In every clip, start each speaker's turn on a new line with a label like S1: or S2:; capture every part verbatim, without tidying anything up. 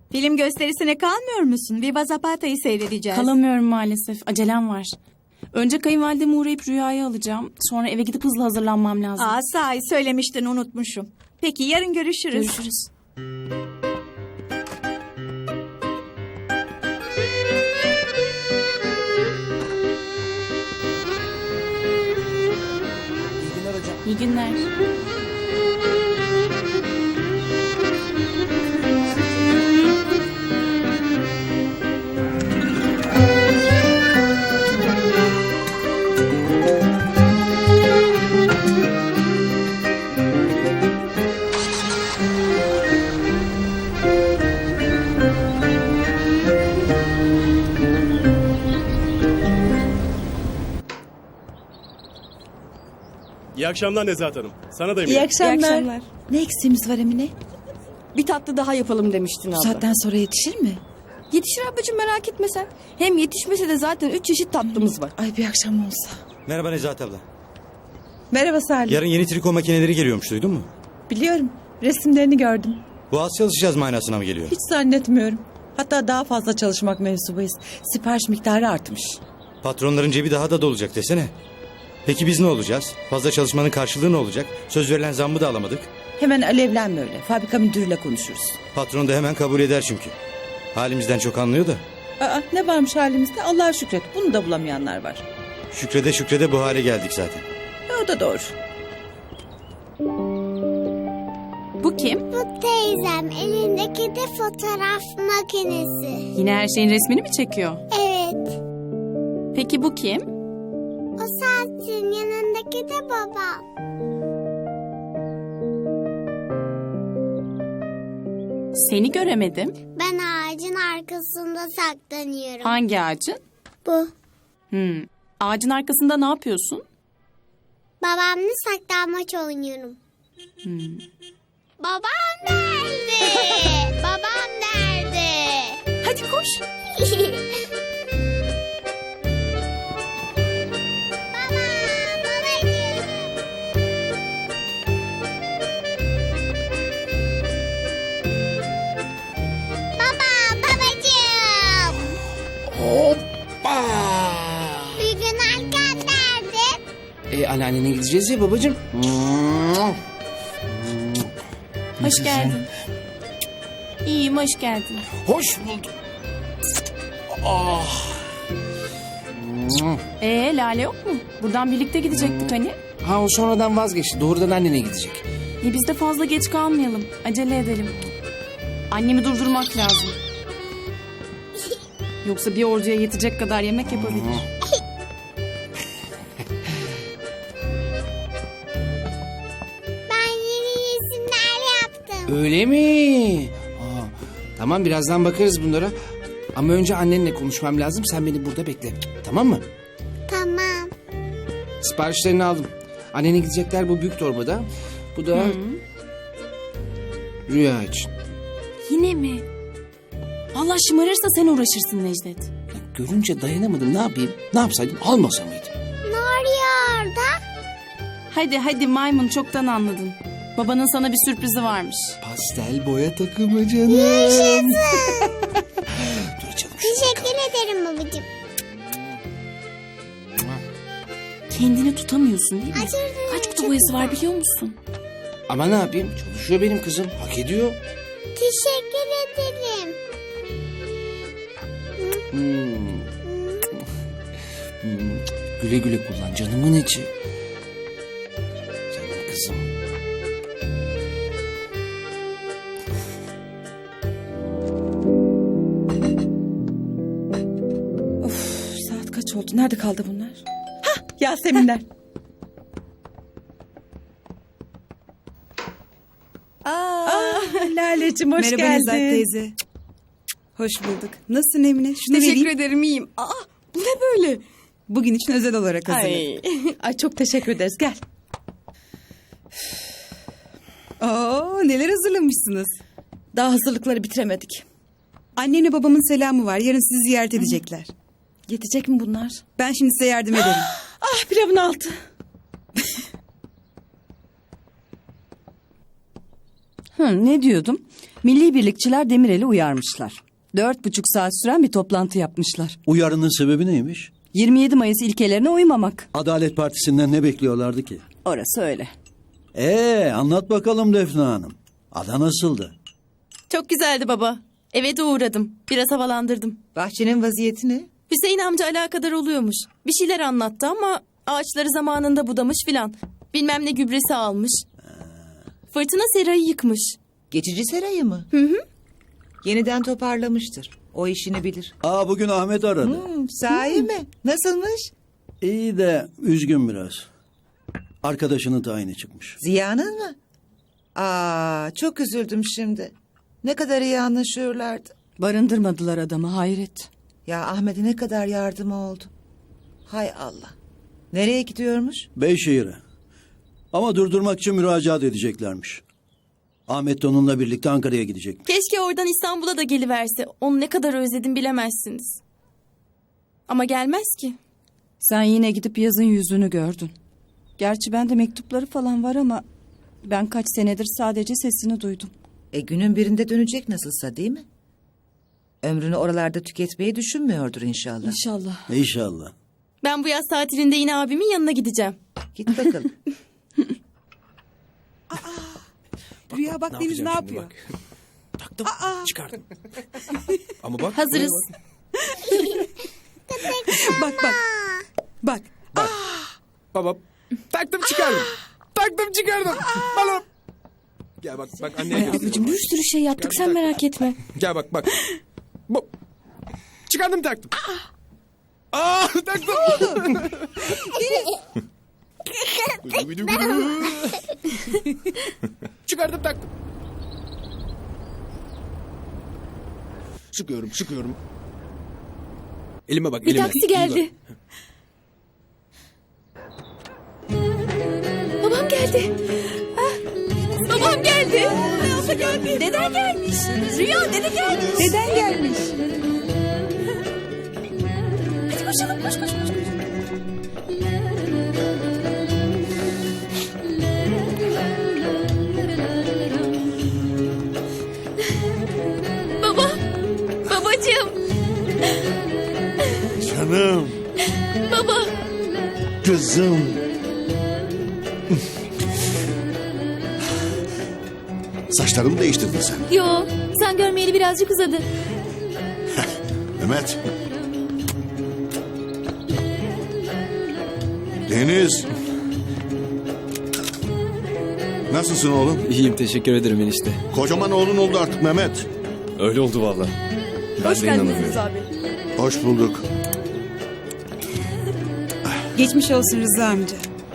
S1: Film gösterisine kalmıyor musun? Viva Zapata'yı seyredeceğiz.
S2: Kalamıyorum maalesef. Acelem var. Önce kayınvalideme uğrayıp Rüya'yı alacağım. Sonra eve gidip hızlı hazırlanmam lazım.
S1: Aa, sahi söylemiştin, unutmuşum. Peki yarın görüşürüz.
S2: Görüşürüz.
S3: İyi günler hocam.
S2: İyi günler.
S4: İyi akşamlar Nezahat Hanım. Sana da
S5: İyi
S4: eminim.
S5: akşamlar.
S6: İyi akşamlar.
S5: Ne eksiğimiz var Emine?
S6: Bir tatlı daha yapalım demiştin
S5: Bu
S6: abla.
S5: saatten sonra yetişir mi?
S6: Yetişir ablacığım, merak etme sen. Hem yetişmese de zaten üç çeşit tatlımız var.
S5: Ay bir akşam olsa.
S3: Merhaba Nezahat abla.
S5: Merhaba Salih.
S3: Yarın yeni triko makineleri geliyormuş, duydun mu?
S5: Biliyorum. Resimlerini gördüm.
S3: Bu az çalışacağız manasına mı geliyor?
S5: Hiç zannetmiyorum. Hatta daha fazla çalışmak mevzubayız. Sipariş miktarı artmış.
S3: Patronların cebi daha da dolacak desene. Peki biz ne olacağız? Fazla çalışmanın karşılığı ne olacak? Söz verilen zammı da alamadık.
S5: Hemen alevlenme öyle. Fabrika müdürüyle konuşuruz.
S3: Patron da hemen kabul eder çünkü. Halimizden çok anlıyor da.
S5: Aa, ne varmış halimizde? Allah'a şükret. Bunu da bulamayanlar var.
S3: Şükrede şükrede bu hale geldik zaten.
S5: E, o da doğru.
S2: Bu kim?
S7: Bu teyzem, elindeki de fotoğraf makinesi.
S2: Yine her şeyin resmini mi çekiyor?
S7: Evet,
S2: Peki bu kim?
S7: o sensin, yanındaki de babam.
S2: Seni göremedim.
S7: Ben ağacın arkasında saklanıyorum.
S2: Hangi ağacın?
S7: Bu.
S2: Hmm. Ağacın arkasında ne yapıyorsun?
S7: Babamla saklanmaç oynuyorum. Babam nerede? Babam nerede?
S2: Hadi koş.
S7: Baba, babacığım. Baba, babacığım.
S8: Hoppa!
S7: Bir gün Erkan nerede?
S8: E, anneannene gideceğiz ya babacığım.
S2: Hoş geldin. İyiyim, hoş geldin.
S8: Hoş bulduk. Ah.
S2: Ee, Lale yok mu? Buradan birlikte gidecektik hani.
S8: Ha, o sonradan vazgeçti. Doğrudan annene gidecek.
S2: E biz de fazla geç kalmayalım. Acele edelim. Annemi durdurmak lazım. Yoksa bir orduya yetecek kadar yemek yapabilir.
S7: Ben yeni resimler yaptım.
S8: Öyle mi? Aa, tamam, birazdan bakarız bunlara. Ama önce annenle konuşmam lazım. Sen beni burada bekle. Tamam mı?
S7: Tamam.
S8: Siparişlerini aldım. Annene gidecekler bu büyük torbada. Bu da Rüya için.
S2: Yine mi? Allah şımarırsa sen uğraşırsın Necdet.
S8: Ya, görünce dayanamadım. Ne yapayım? Ne yapsaydım? Almasa mıydım?
S7: Ne oluyor orada?
S2: Hadi hadi maymun, çoktan anladın. Babanın sana bir sürprizi varmış.
S8: Pastel boya takımı canım.
S7: Yaşasın.
S8: Dur açalım şunu.
S7: Teşekkür ederim babacığım.
S2: Kendini tutamıyorsun değil mi?
S7: Özür dilerim.
S2: Kaç kutu boyası var biliyor musun?
S8: Ama ne yapayım? Çalışıyor benim kızım. Hak ediyor.
S7: Teşekkür ederim.
S8: Hmm. Hmm. Güle güle kullan canımın içi. Canım kızım.
S5: Of, saat kaç oldu? Nerede kaldı bunlar? Hah, Yaseminler. Aa, Lale'cim hoş
S9: Merhaba
S5: geldin.
S9: Nezahat teyze. Hoş bulduk. Nasılsın Emine? Şunu
S6: Teşekkür
S9: vereyim.
S6: ederim, iyiyim. Aa, bu ne böyle?
S9: Bugün için özel olarak hazırladım.
S6: Ay.
S5: Ay çok teşekkür ederiz. Gel.
S9: Oo, neler hazırlamışsınız.
S5: Daha hazırlıkları bitiremedik.
S9: Annenle babamın selamı var. Yarın sizi ziyaret edecekler.
S5: Yetecek mi bunlar?
S9: Ben şimdi size yardım ederim.
S5: Ah, pilavın altı.
S6: Hı, ne diyordum?
S10: Milli birlikçiler Demirel'i uyarmışlar. Dört buçuk saat süren bir toplantı yapmışlar.
S11: Uyarının sebebi neymiş?
S10: yirmi yedi Mayıs ilkelerine uymamak.
S11: Adalet Partisi'nden ne bekliyorlardı ki?
S10: Orası öyle.
S11: Ee, anlat bakalım Defne Hanım. Ada nasıldı?
S2: Çok güzeldi baba. Eve de uğradım. Biraz havalandırdım.
S5: Bahçenin vaziyeti ne?
S2: Hüseyin amca alakadar oluyormuş. Bir şeyler anlattı ama ağaçları zamanında budamış filan. Bilmem ne gübresi almış. Fırtına serayı yıkmış.
S5: Geçici serayı mı?
S2: Hı hı.
S5: Yeniden toparlamıştır. O işini bilir.
S11: Aa, bugün Ahmet aradı.
S5: Hmm, sahi mi? Nasılmış?
S11: İyi de üzgün biraz. Arkadaşının tayini çıkmış.
S5: Ziya'nın mı? Aa, çok üzüldüm şimdi. Ne kadar iyi anlaşıyorlardı.
S10: Barındırmadılar adamı, hayret.
S5: Ya Ahmet'e ne kadar yardım oldu. Hay Allah. Nereye gidiyormuş?
S11: Beyşehir'e. Ama durdurmak için müracaat edeceklermiş. Ahmet de onunla birlikte Ankara'ya gidecek.
S2: Keşke oradan İstanbul'a da geliverse. Onu ne kadar özledim bilemezsiniz. Ama gelmez ki.
S10: Sen yine gidip yazın yüzünü gördün. Gerçi bende mektupları falan var ama... ben kaç senedir sadece sesini duydum.
S5: E günün birinde dönecek nasılsa, değil mi? Ömrünü oralarda tüketmeyi düşünmüyordur inşallah.
S10: İnşallah.
S11: İnşallah.
S2: Ben bu yaz tatilinde yine abimin yanına gideceğim.
S5: Git bakalım.
S9: Rüya bak Deniz ne yapıyor?
S4: Taktım, çıkardım. Ama bak.
S2: Hazırız.
S9: Bak bak. Bak.
S4: Baba, taktım çıkardım. Taktım çıkardım. Balım. Gel bak, bak anneye göstereyim.
S6: Ablacığım bir sürü şey yaptık sen merak etme.
S4: Gel bak, bak. Bu. Çıkardım taktım. Aa, taktım. Çıkardım taktım. Sıkıyorum, sıkıyorum. Elime bak,
S6: Bir
S4: elime.
S6: taksi geldi. Babam geldi. Ah, babam geldi. Abla geldi. Deden gelmiş. Rüya dede gelmiş.
S9: Deden gelmiş.
S6: Hadi koşalım koş koş koş. koş. Baba. Babacığım.
S12: Canım.
S6: Baba.
S12: Kızım. Saçlarımı değiştirdin sen.
S6: Yo sen görmeyeli birazcık uzadı.
S12: Mehmet. Deniz. Nasılsın oğlum?
S4: İyiyim, teşekkür ederim enişte.
S12: Kocaman oğlun oldu artık Mehmet.
S4: Öyle oldu valla.
S6: Hoş geldiniz abi.
S12: Hoş bulduk.
S9: Geçmiş olsun Rıza amca.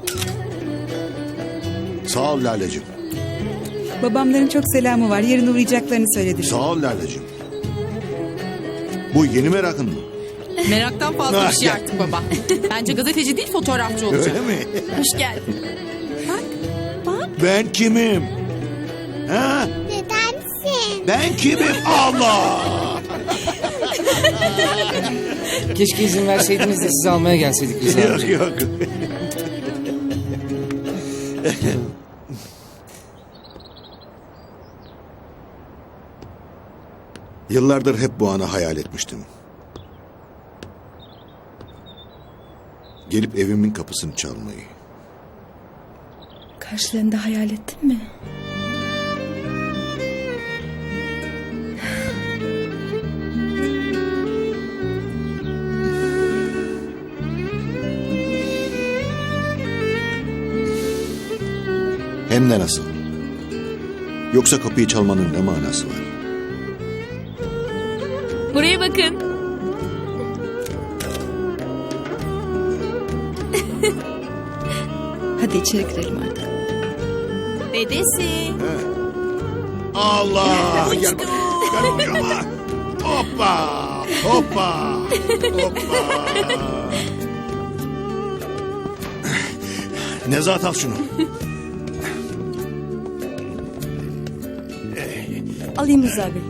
S12: Sağ ol Lale'cim.
S9: Babamların çok selamı var. Yarın uğrayacaklarını söylediler.
S12: Sağ ol Lale'cim. Bu yeni merakın mı?
S2: Meraktan fazla
S12: Ah,
S2: bir şey
S12: gel.
S2: artık baba. Bence gazeteci değil fotoğrafçı olacak.
S12: Öyle mi?
S2: Hoş geldin.
S12: Ben kimim? Ha?
S7: Nedensin?
S12: Ben kimim? Allah!
S8: Keşke izin verseydiniz de sizi almaya gelseydik Rıza
S12: Yok
S8: amca.
S12: yok. Yıllardır hep bu anı hayal etmiştim. Gelip evimin kapısını çalmayı.
S6: Karşılarında hayal ettin mi?
S12: Hem de nasıl? Yoksa kapıyı çalmanın ne manası var?
S6: Buraya bakın. Hadi içeri girelim artık.
S2: Dedesi.
S12: Allah! Gel bak. Gel kucağıma. Hoppa! Hoppa! Hoppa! Nezahat al şunu.
S6: Alayım Rıza abi.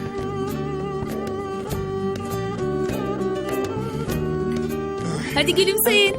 S6: Hadi gülümseyin.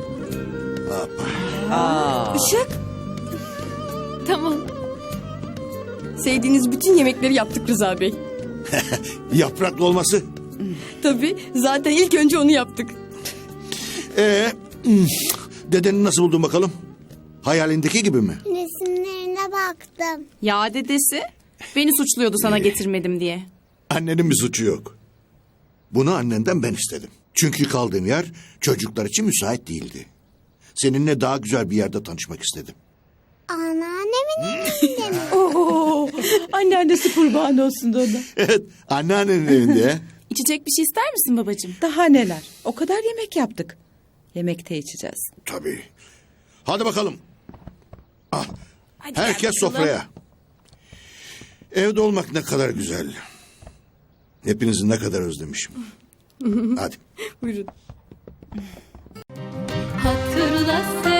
S12: Hoppa.
S5: Aa.
S6: Işık. Tamam.
S2: Sevdiğiniz bütün yemekleri yaptık Rıza Bey.
S12: Yapraklı olması.
S2: Tabii zaten ilk önce onu yaptık.
S12: Ee, hmm, dedeni nasıl buldun bakalım? Hayalindeki gibi mi?
S7: Resimlerine baktım.
S2: Ya dedesi beni suçluyordu sana getirmedim diye.
S12: Annenin bir suçu yok. Bunu annenden ben istedim. Çünkü kaldığım yer çocuklar için müsait değildi. Seninle daha güzel bir yerde tanışmak istedim.
S7: Anneannemin evinde mi?
S10: Oo, anneannesi kurban olsun da ona.
S12: Evet, anneannenin evinde.
S2: İçecek bir şey ister misin babacığım?
S10: Daha neler? O kadar yemek yaptık. Yemekte içeceğiz.
S12: Tabii. Hadi bakalım. Ah, herkes sofraya. Evde olmak ne kadar güzel. Hepinizi ne kadar özlemişim. Hadi.
S2: Buyurun.
S6: Hatırla sen